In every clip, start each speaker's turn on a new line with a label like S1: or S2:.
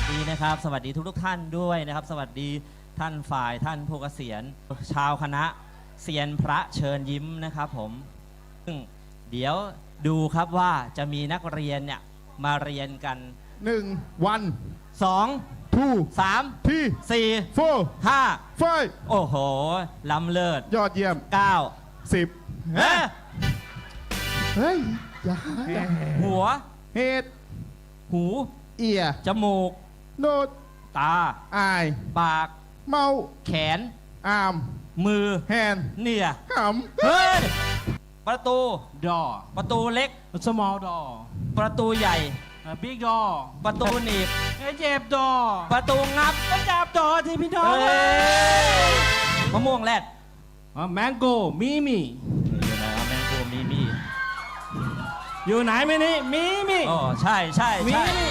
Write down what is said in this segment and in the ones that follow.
S1: ดีนะครับ สวัสดีทุกท่านด้วยนะครับ สวัสดีท่านฝ่ายท่านผู้เกษียณชาวคณะเซียนพระเชิญยิ้มนะครับผมซึ่งเดี๋ยวดูครับว่าจะมีนักเรียนเนี่ยมาเรียนกัน
S2: 1 วัน
S1: 2
S2: 2
S1: 3
S2: 3
S1: 4
S2: 4
S1: 5
S2: 5
S1: โอ้โหล้ำเลิศ
S2: ยอดเยี่ยม
S1: 9
S2: 10
S1: เฮ้ย
S2: เฮ้ยอย่า
S1: หัว
S2: เฮด
S1: หู
S2: เอีย
S1: จมูก
S2: โนด
S1: ตา
S2: อาย
S1: ปาก
S2: เมา
S1: แขน
S2: อาม
S1: มือ
S2: แฮน
S1: เนี่ย
S2: ห
S1: เฮ้ยประตู
S3: door
S1: ประตูเล็ก
S3: small door
S1: ประตูใหญ่
S3: big door
S1: ประตูหนีบ
S3: เจ็บ door
S1: ประตูงับ
S3: ก็จับ door ที่พี่น้อง
S1: เฮ้ยมะม่วงแรด
S3: mango มีมี
S1: อยู่ไหนครับแมงโกมีมี
S3: อยู่ไหนไม่นี่มีมี
S1: อ๋อใช่ใช่
S3: มี
S1: ใช่
S3: มี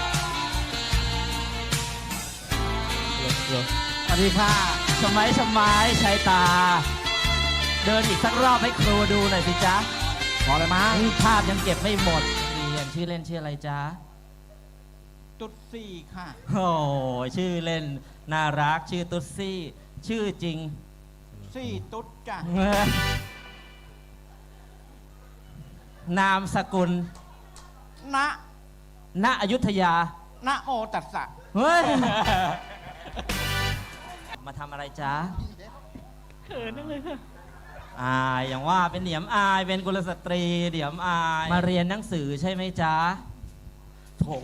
S3: สวัสดีค่ะ
S1: ชะไม้ชะไม้ชายตา เดินอีกสักรอบให้ครูดูหน่อยสิจ๊ะ
S3: พอเลยมั้ง
S1: ภาพยังเก็บไม่หมดเรียนชื่อเล่นชื่ออะไรจ๊ะ
S3: ตุ๊ดสี่ค่ะ
S1: โอ้ยชื่อเล่นน่ารักชื่อตุ๊ดซี่ ชื่อจริง
S3: สี่ตุ๊ดจ้ะ
S1: นามสกุล
S3: ณ
S1: ณอยุธยา
S3: ณโมตัสสะ
S1: เฮ้ย มาทำอะไรจ๊ะ
S3: เขินนั่งเลยค่ะ
S1: อายอย่างว่าเป็นเหนียมอายเป็นกุลสตรีเหนียมอาย มาเรียนหนังสือใช่ไหมจ๊ะโถ่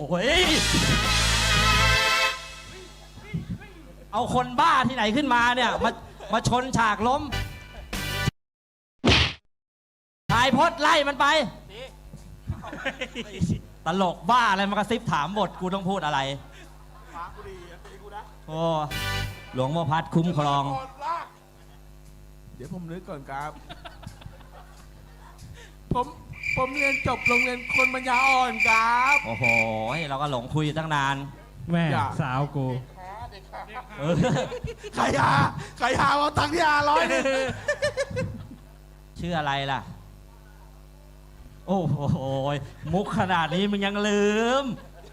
S1: เอาคนบ้าที่ไหนขึ้นมาเนี่ยมาชนฉากล้มถ่ายพดไล่มันไปตลกบ้าอะไรมากระซิบถามบทกูต้องพูดอะไรโอ้หลวงพ่อพัดคุ้มครอง
S4: เดี๋ยวผมนึกก่อนครับ ผมเรียนจบโรงเรียนคนปัญญาอ่อนครับ
S1: โอ้โหเราก็หลงคุยอยู่ตั้งนาน
S3: แม่
S4: อย่า
S3: สาวกู
S1: เออ
S4: ใครหาเอาตังค์ที่500นี่
S1: ชื่ออะไรล่ะ โอ้โหมุกขนาดนี้มึงยังลืม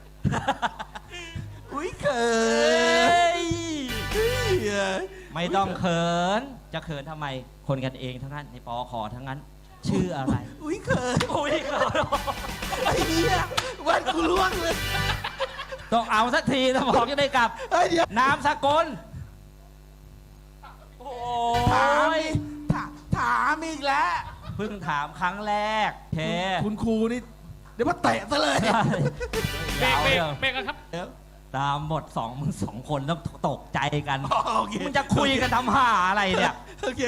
S4: อุ้ยเขิ
S1: เฮ้
S4: น
S1: ยไม่ต้องเขิน จะเขินทำไม คนกันเองทั้งนั้นในปอขอทั้งนั้น ชื่ออะไร
S4: อุ้ยเขิน
S1: อุ้ยเขิน
S4: ไอ้เหี้ยวันกูล่วงเลย
S1: ต้องเอาสักทีสมองจะได้กลับ
S4: เฮ้ยเดี๋ยวน
S1: ามสกุลโอ้
S4: ถาม
S1: ย
S4: อีกถามอีกแล้ว
S1: เพิ่งถามครั้งแรกเค
S4: คุณครูนี่เดี๋ยวมาเตะซะเลย
S1: เบรก
S3: เบรกกันครับ
S1: ตามบทมึง2 คนต้องตกใจกัน
S4: โอเค
S1: มึงจะคุยกันทำห่าอะไรเนี่ย
S4: โอเค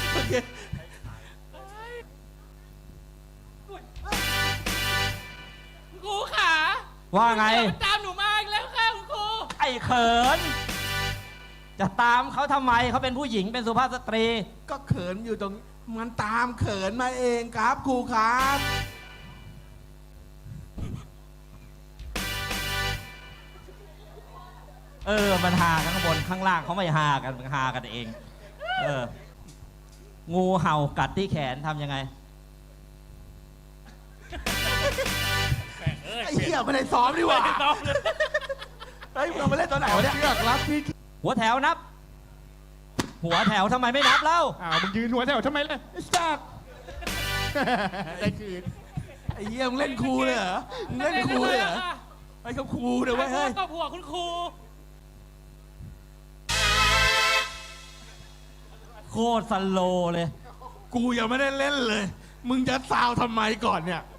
S3: ครูขา
S1: ว่าไง
S3: ตามหนูมาอีกแล้วค่ะคุณครู
S1: ไอ้เขิน จะตามเขาทำไมเขาเป็นผู้หญิงเป็นสุภาพสตรี
S4: ก็เขินอยู่ตรงมันตามเขินมาเองครับครูครับ
S1: มันหากันข้างบนข้างล่างเขาไม่หากันมันหากันเอง งูเห่ากัดที่แขนทำยังไง
S4: ไอ้เหี้ยไม่ได้ซ้อมดีกว่าเฮ้ยเรามาเล่นตอนไหนวะเนี่ย
S2: เชือกรัดพี่
S1: หัวแถวนับ หัวแถวทำไมไม่นับเล่า
S2: มึงยืนหัวแถวทำไมล่ะไอ้สัตว์ได้คืน
S4: ไอ้เหี้ยมึงเล่นครูเลยเหรอมึงเล่นครูเลยเหรอไอ้เขาครูเดี๋ยวไว้ยเฮ้ย
S3: ก็ผัวคุณครู
S1: โคตรสโลว์เลย
S4: กูยังไม่ได้เล่นเลย มึงจะซาวทำไมก่อนเนี่ย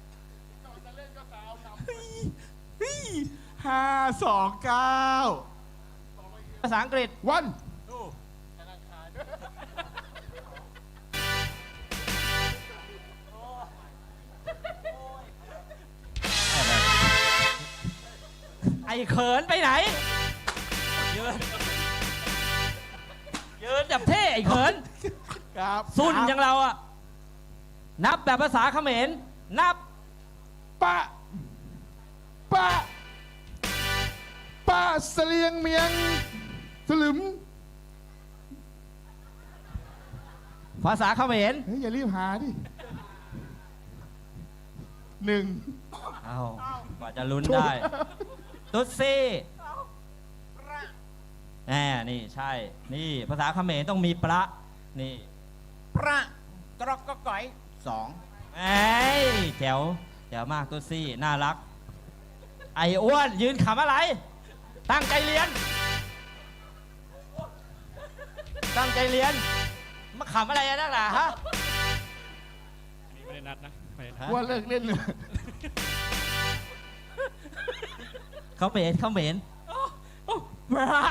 S4: เฮ้ย529
S1: ภาษาอังกฤษ
S2: วัน
S1: ไอ้เขินไปไหน ยืนจับเท่ไอ้เขิน
S4: ครับ
S1: สุ่นอย่างเราอะนับแบบภาษาเขมร นับ
S2: ปะเสลียงเมียงสลึม
S1: ภาษาเขมร
S2: เฮ้ยอย่ารีบหาดิ1
S1: เอากว่าจะลุ้นได้ ตุ๊ดซี่
S4: อ
S1: นี่ใช่ นี่ภาษาเขมรต้องมีประนี่
S2: ประกรอกก็ก๋อยสอง
S1: แจ๋วแจ๋วมากตัวซี่น่ารัก ไอ้อ้วนยืนขำอะไร ตั้งใจเรียน ตั้งใจเรียนมาขำอะไรนักหนาฮะ
S3: นี่ไม่ได้นัดนะไม่ได้นัด
S2: ว่าเลิกเล่นเลย
S1: เขาเหม็นเขาเหม็น
S3: พระ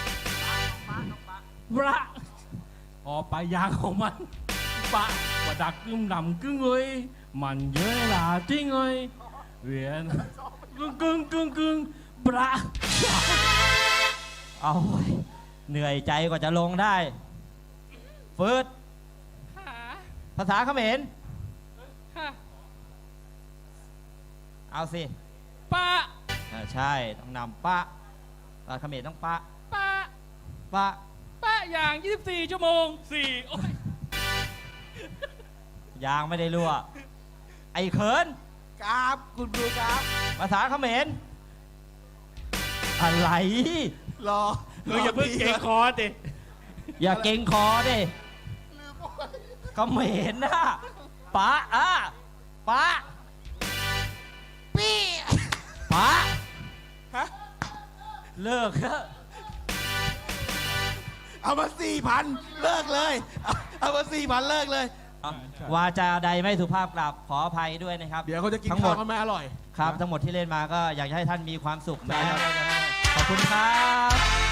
S3: พระออกไปยางของมันปะว่าดักกึ่งดำกึ่งเลยมันเยอะล่ะจริงเลยเวียนกึ่งพระ
S1: เอาเว้ยเหนื่อยใจกว่าจะลงได้ฟืด
S3: ค่ะ
S1: ภาษาเขมร
S3: ค่ะ
S1: เอาสิ
S3: ปะ
S1: ใช่ต้องนำปะภาษาเขมรต้องปะ
S3: ปะ
S1: ปะ
S3: ปะอย่าง 24 ชั่วโมง4โอ้ย
S1: ยางไม่ได้รั่ว ไอ้เขิน
S2: ครับคุณครูครับ
S1: ภาษาเขมรอะไร
S2: รอ
S3: อย่าเพิ่งเก่งคอดิ
S1: อย่าเก่งคอดิเขมรนะปะปะ
S2: ปี้
S1: ปะ
S2: ฮะ
S1: เลิกเถอะ
S2: เอามา 4,000 เลิกเลยเอามา 4,000 เลิกเลย
S1: วาจาใดไม่สุภาพกลับขออภัยด้วยนะครับ
S2: เดี๋ยวเขาจะกิน
S1: ทั้งหม
S2: ข้า
S1: ด
S2: วกันไม่อร่อย
S1: ครับทั้งหมดที่เล่นมาก็อยากจะให้ท่านมีความสุขนะครับขอบคุณครับ